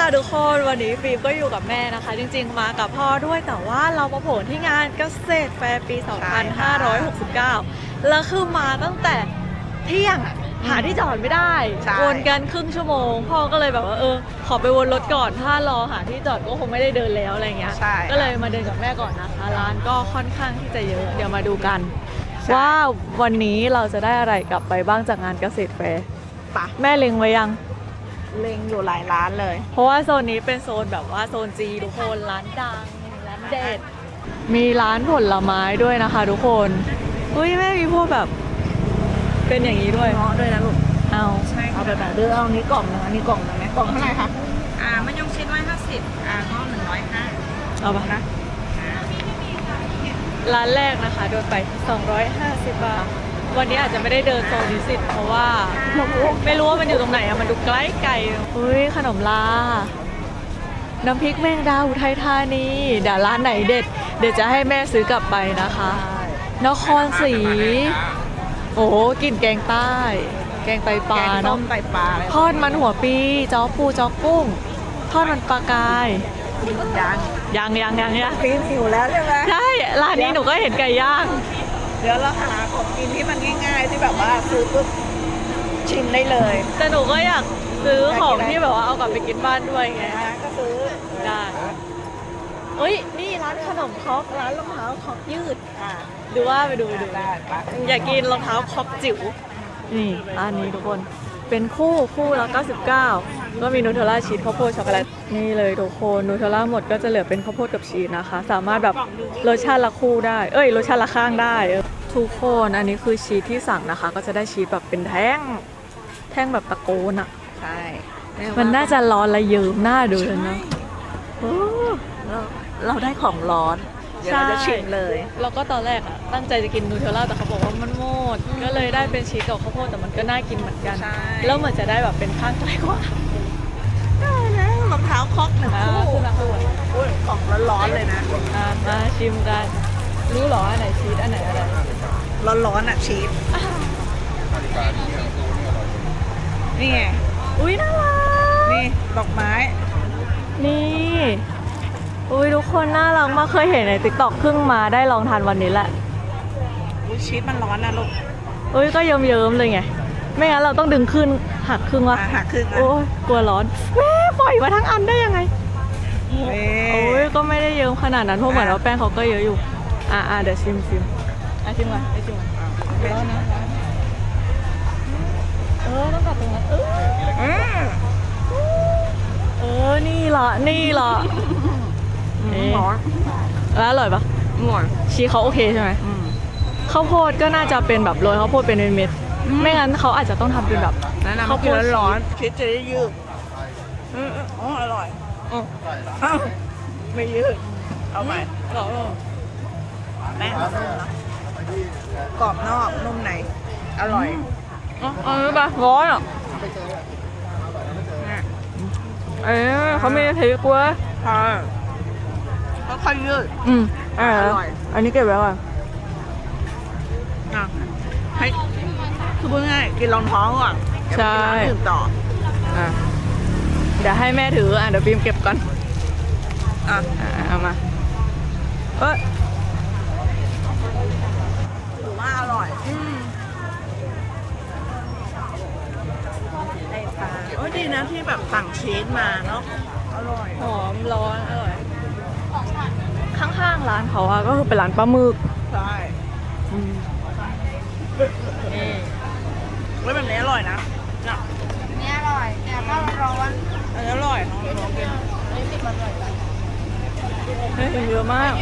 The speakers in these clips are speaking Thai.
ค่ะทุกคนวันนี้ฟิล์มก็อยู่กับแม่นะคะ จริงๆมากับพ่อด้วยแต่ว่าเรามาโผล่ที่งานเกษตรแฟร์ปี 2569 แล้วคือมาตั้งแต่เที่ยงหาที่จอดไม่ได้วนกันครึ่งชั่วโมงพ่อก็เลยแบบว่าขอไปวนรถก่อนถ้ารอหาที่จอดก็คงไม่ได้เดินแล้วอะไรเงี้ยก็เลยมาเดินกับแม่ก่อนนะคะร้านก็ค่อนข้างที่จะเยอะเดี๋ยวมาดูกันว่าวันนี้เราจะได้อะไรกลับไปบ้างจากงานเกษตรแฟร์แม่เล็งไว้ยังเล็งอยู่หลายร้านเลยเพราะว่าโซนนี้เป็นโซนแบบว่าโซนจีทุกคนร้านดังร้านเด็ดมีร้านผลไม้ด้วยนะคะทุกคนอุ้ยแม่มีพวกแบบเป็นอย่างนี้ด้วยเงาะด้วยนะลูกเอาเอาแบบไหนเลือกเอานี้กล่องนึงอันนี้กล่องนึงไหมกล่องเท่าไหร่คะมะยงชิด150เงาะ150 เอาปะนะร้านแรกนะคะโดนไป250 บาทวันนี้อาจจะไม่ได้เดินโซนนิสิตเพราะว่าไม่รู้ว่ามันอยู่ตรงไหนอะมันดูใกล้ไกลอุ้ยขนมลาน้ำพริกแมงดาอุทัยธานีเดี๋ยวร้านไหนเด็ดเดี๋ยวจะให้แม่ซื้อกลับไปนะคะนครศรีโอ้กินแกงใต้แกงไตปลาเนาะไตปลาทอดมันหัวปีจ้อปูจ้อกุ้งทอดมันปลากายยังปีนหิวแล้วใช่ไหมใช่ร้านนี้หนูก็เห็นไก่ย่างเดี๋ยวเราหาของกินที่มันง่ายๆที่แบบว่าซื้อปุ๊บชิมได้เลยแต่หนูก็อยากซื้อของที่แบบว่าเอากลับไปกินบ้านด้วยไงก็ซื้อได้เฮ้ยนี่ร้านขนมครกร้านรองเท้าครกยืดดูว่าไปดูได้อยากกินรองเท้าครกจิ๋วนี่ร้านนี้ทุกคนเป็นคู่ละ99ก็มีนูเทลล่าชีสข้าวโพดช็อกโกแลตนี่เลยทุกคนนูเทลล่าหมดก็จะเหลือเป็นข้าวโพดกับชีสนะคะสามารถแบบรสชาติละคู่ได้รสชาติละข้างได้ทุกคนอันนี้คือชีสที่สั่งนะคะก็จะได้ชีสแบบเป็นแท่งแบบตะโกนอ่ะใช่มันน่าจะร้อนและเยิ้มหน้าดูเลยนะเราได้ของร้อนเดี๋ยวเราจะชิมเลยแล้วก็ตอนแรกอ่ะตั้งใจจะกินนูเทลล่าแต่เขาบอกว่ามันหมดก็เลยได้เป็นชีสกับข้าวโพดแต่มันก็น่ากินเหมือนกันแล้วเหมือนจะได้แบบเป็นข้างใกล้กว่าได้แล้วรองเท้าคอก1 คู่ของร้อนๆเลยนะมาชิมกันรู้หรออันไหนชีสอันไหนอะไรร้อนๆอ่ะชีสนี่ไงอุ้ยน่ารักนี่ดอกไม้นี่อุ้ยทุกคนน่ารักมากเคยเห็นในติ๊กต็อกเพิ่งมาได้ลองทานวันนี้แหละอุ้ยชีสมันร้อนนะลูกอุ้ยก็เยิ้มๆเลยไงไม่งั้นเราต้องดึงขึ้นหักครึ่งวะหักครึ่งโอ้ยกลัวร้อนแม่ปล่อยมาทั้งอันได้ยังไงโอ้ยก็ไม่ได้เยิ้มขนาดนั้นเพราะเหมือนว่าแป้งเขาก็เยอะอยู่เดี๋ยวชิมชิมก่อนชิมก่อนร้อนนะต้องกัดตรงนั้นนี่ละร้อนแล้วอร่อยปะชีสเขาโอเคใช่ไหมข้าวโพดก็น่าจะเป็นแบบโรยข้าวโพดเป็นเม็ดไม่งั้นเขาอาจจะต้องทำเป็นแบบข้าวโพดร้อนชีสจะได้ยืดอร่อยไม่ยืดเอาใหม่แป้งนุ่มนะกรอบนอกนุ่มในอร่อยปะร้อนอ่ะเขาไม่ได้ถือกลัวเขาค่อยยืดอร่อยอันนี้เก็บไว้ก่อนให้คือพูดง่ายกินรองท้องก่อนใช่ดื่มต่อเดี๋ยวให้แม่ถือเดี๋ยวฟิล์มเก็บก่อนเอามาถือว่าอร่อยดีนะที่แบบสั่งชีสมาเนาะอร่อยหอมร้อนอร่อยข้างๆร้านเขาก็คือเป็นร้านปลาหมึกใช่แบบนี้อร่อยนะนี่อร่อยแต่ก็ร้อนอันนี้อร่อยน้องกินเยอะมาก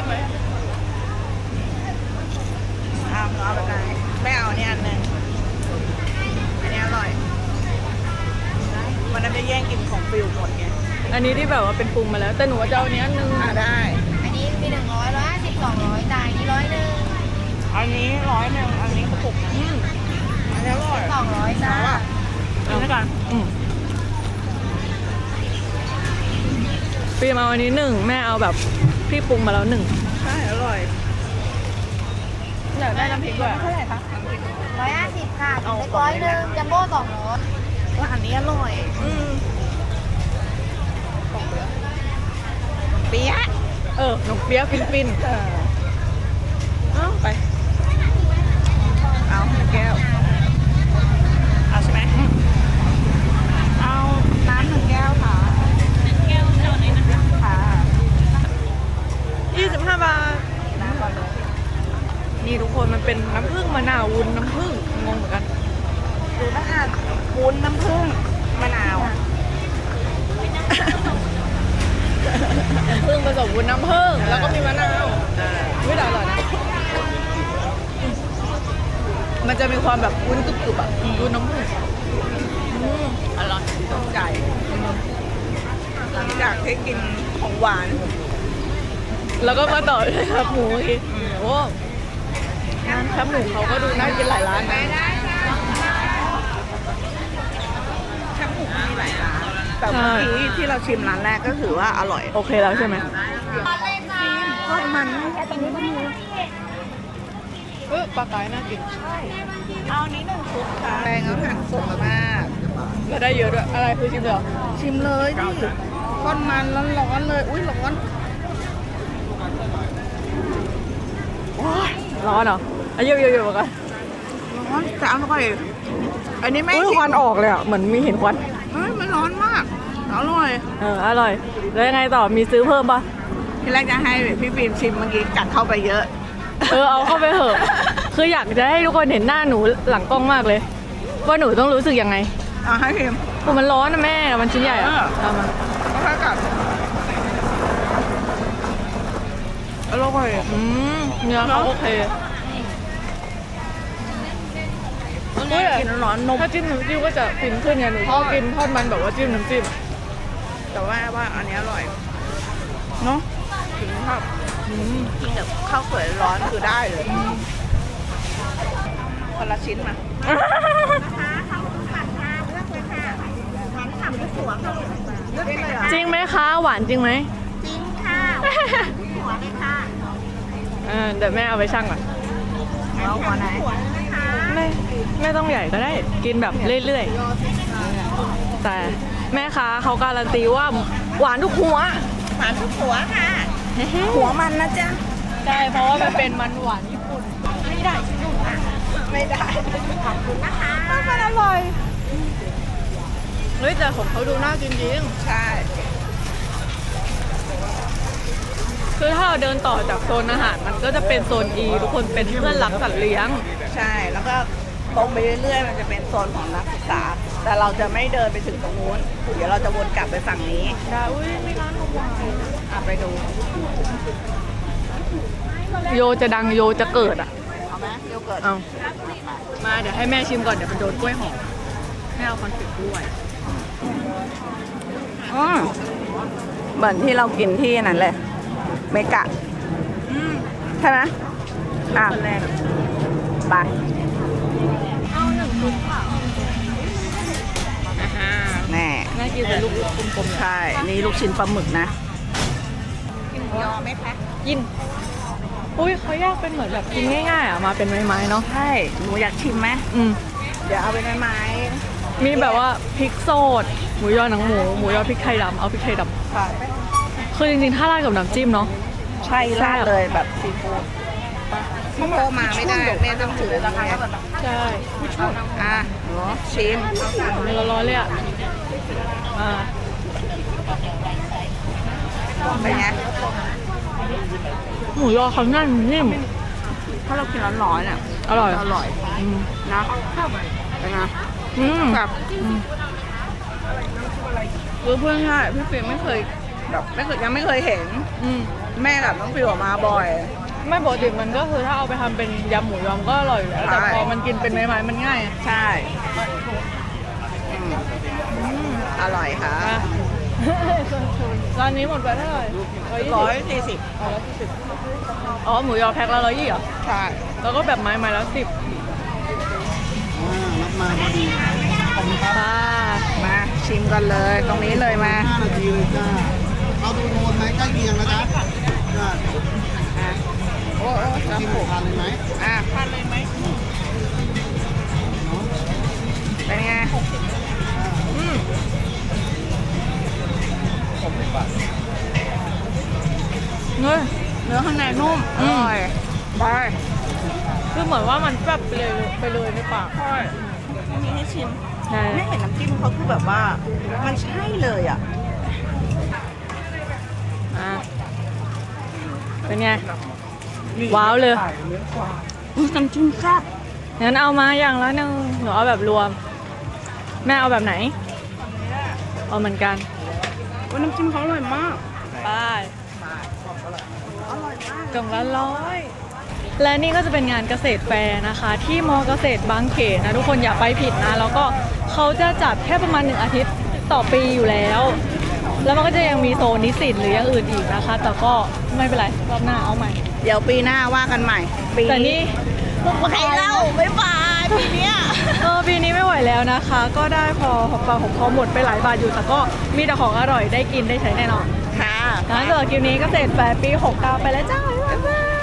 เอาไปไหนไม่เอาเนี่ยอันนึงอันนี้อร่อยมันไม่แย่งกินของฟิวหมดไงอันนี้ที่แบบว่าเป็นปรุงมาแล้วแต่หนูจะเอาอันนี้นึงได้อันนี้มี100 150 200จ่ายนี้100 อันนี้100อันนี้กระปุกอันนี้อร่อย 200จ้ากินด้วยกันปีมาวันนี้1แม่เอาแบบพี่ปรุงมาแล้ว1 ใช่อร่อยอยากได้น้ำพริกด้วยเท่าไหร่คะ 150ค่ะถึงได้100จัมโบ้200 ว่าอันนี้อร่อยขเปี๊ยะขนมเปี๊ยะฟินๆเอาไปเอา1 แก้ว เอาใช่ไหมเอาน้ำ1 แก้วค่ะแก้วเท่าไหร่นะคะค่ะ 25 บาทน้ำก่อนเลยนี่ทุกคนมันเป็นน้ำผึ้งมะนาววุ้นน้ำผึ้งงงเหมือนกันดูนะอ่ะวุ้นน้ำผึ้งมะนาวน้ำผึ้งผสมวุ้นน้ำผึ้งแล้วก็มีมะนาวไม่ได้อร่อยนะมันจะมีความแบบวุ้นกรุบๆอ่ะวุ้นน้ำผึ้งอร่อยตกใจ หลังจากที่กินของหวานแล้วก็มาต่อด้วยครับหมูอีกโอ้ร้านครับหมูเขาก็ดูน่ากินหลายร้านนะแค่หมูมีหลายร้านแต่เมื่อกี้ที่เราชิมร้านแรกก็ถือว่าอร่อยโอเคแล้วใช่ไหมทอดมันปลากายน่ากินเอานี้1 ชุดค่ะแปลงเอาหั่นสดมากแล้วได้เยอะด้วยอะไรคือชิมเหรอชิมเลยดิทอดมันร้อนๆเลย อุ้ยร้อนร้อนเหรอเยอะๆๆมากันร้อนแต่อร่อยอันนี้ไม่ควันออกเลยอ่ะเหมือนมีเห็นควันไม่ร้อนมากอร่อยอร่อยแล้วยังไงต่อมีซื้อเพิ่มปะที่แรกจะให้พี่ฟิล์มชิมเมื่อกี้กัดเข้าไปเยอะเอาเข้าไปเถอะคืออยากจะให้ทุกคนเห็นหน้าหนูหลังกล้องมากเลย ว่าหนูต้องรู้สึกยังไงเอาให้พิมพ์คือมันร้อนนะแม่มันชิ้นใหญ่อะเออเอามาก็ค่อยกัดอร่อยเนื้อเขาโอเคกินร้อนๆนมถ้าจิ้มน้ำจิ้มก็จะฟินขึ้นไงหนูชอบกินทอดมันแบบว่าจิ้มน้ำจิ้มแต่ว่าอันนี้อร่อยเนาะถึงชอบกินกับข้าวสวยร้อนคือได้เลยคนละชิ้นมาเลือกได้เลยเหรอจริงไหมคะหวานจริงไหมจริงค่ะหัวเลยค่ะเดี๋ยวแม่เอาไปชั่งก่อนเอาหัวไหนไม่ต้องใหญ่ก็ได้กินแบบเรื่อยๆแต่แม่ค้าเขาการันตีว่าหวานทุกหัวหวานทุกหัวค่ะ หัวมันนะจ๊ะใช่เพราะว่ามันเป็นมันหวานญี่ปุ่นไม่ได้ขอบคุณนะคะมันอร่อยเฮ้ยแต่ของเขาดูน่ากินจริงใช่คือถ้าเราเดินต่อจากโซนอาหารมันก็จะเป็นโซน E ทุกคนเป็นเพื่อนรักสัตว์เลี้ยงใช่แล้วก็ตรงไปเรื่อยๆมันจะเป็นโซนของนักศึกษา แต่เราจะไม่เดินไปถึงตรงนู้นเดี๋ยวเราจะวนกลับไปฝั่งนี้ได้อุ้ยมีร้านของหวานไปดูโยจะดังโยจะเกิดอ่ะเอาไหมโยเกิร์ตเอามาเดี๋ยวให้แม่ชิมก่อนเดี๋ยวไปโดนกล้วยหอมแม่เอาคอนเฟกต์ด้วยเหมือนที่เรากินที่นั่นเลยเมกะใช่ไหมอ่ะคนแรกไปเอา1 ชุดค่ะแน่น่ากินเป็นลูกกลมๆใช่ นี่ลูกชิ้นปลาหมึกนะกินยอไหมคะกินอุ้ยเขาแยกเป็นเหมือนแบบกินง่ายๆอ่ะมาเป็นไม้ๆเนาะใช่หนูอยากชิมไหม เดี๋ยวเอาไปไม้มีแบบว่าพริกสดหมูยอหนังหมูหมูยอพริกไทยดำเอาพริกไทยดๆค่ะำคือจริงๆถ้าราดกับน้ำจิ้มเนาะใช่ราดเลยแบบซีฟู้ดพี่โตมาไม่ได้แม่ต้องถือนะคะใช่อ่ะหนูชิมเนื้อร้อนๆเลยอ่ะอ่าเป็นไงหมูยอเขาแน่นนิ่มถ้าเรากินร้อนๆเนี่ยอร่อยอร่อยอืมนะเป็นไง แบบ คือเพื่อนใช่พี่ฟิล์มไม่เคยแบบยังไม่เคยเห็น แม่กับน้องฟิวออกมาบ่อยไม่ปกติมันก็คือถ้าเอาไปทำเป็นยำหมูยอมก็อร่อยอยู่แล้วแต่ใช่พอมันกินเป็นไม้ๆมันง่ายอะใช่อร่อยค่ะอ่ะ ร้านนี้หมดไปเท่าไหร่ 140 140อ๋อหมูยอแพ็คละ120เหรอใช่แล้วก็แบบไม้ละ10 รับมาพอดีขอบคุณครับป้ามาชิมกันเลย ตรงนี้เลยมา 5 นาทีเลยจ้า เอาดูโทนไหมใกล้เคียงนะจ๊ะจ้าอ่ะโอ้จะกินผูกทานเลยไหมอ่ะทานเลยไหมเป็นไงนุ่มอร่อยไปคือเหมือนว่ามันแบบไปเลยในปากใช่ไม่มีให้ชิมใช่ไม่เห็นน้ำจิ้มเขาคือแบบว่า มันใช่เลยอ่ะอ่ะเป็นไง ว้าวเลยอุ๊ยน้ำจิ้มแซ่บงั้นเอามาอย่างละหนึ่งหนูเอาแบบรวม แม่เอาแบบไหน เอาเหมือนกันอุ๊ยน้ำจิ้มเขาอร่อยมากไปอร่อยมากกล่องละ100 และนี่ก็จะเป็นงานเกษตรแฟร์นะคะ ที่มอเกษตรบางเขนนะทุกคนอย่าไปผิดนะ แล้วก็เขาจะจัดแค่ประมาณ1 อาทิตย์ต่อปีอยู่แล้ว แล้วมันก็จะยังมีโซนนิสิตหรืออย่างอื่นอีกนะคะ แต่ก็ไม่เป็นไรรอบหน้าเอาใหม่เดี๋ยวปีหน้าว่ากันใหม่ ปีแต่นี่ใครเล่าบ๊ายบายปีเนี้ยปีนี้ไม่ไหวแล้วนะคะ ก็ได้พอหอมปากหอมคอหมดไปหลายบาทอยู่ แต่ก็มีแต่ของอร่อยได้กินได้ใช้แน่นอนค่ะงั้นสำหรับคลิปนี้เกษตรแฟร์ปี 69 ไปแล้วจ้าบ๊ายบาย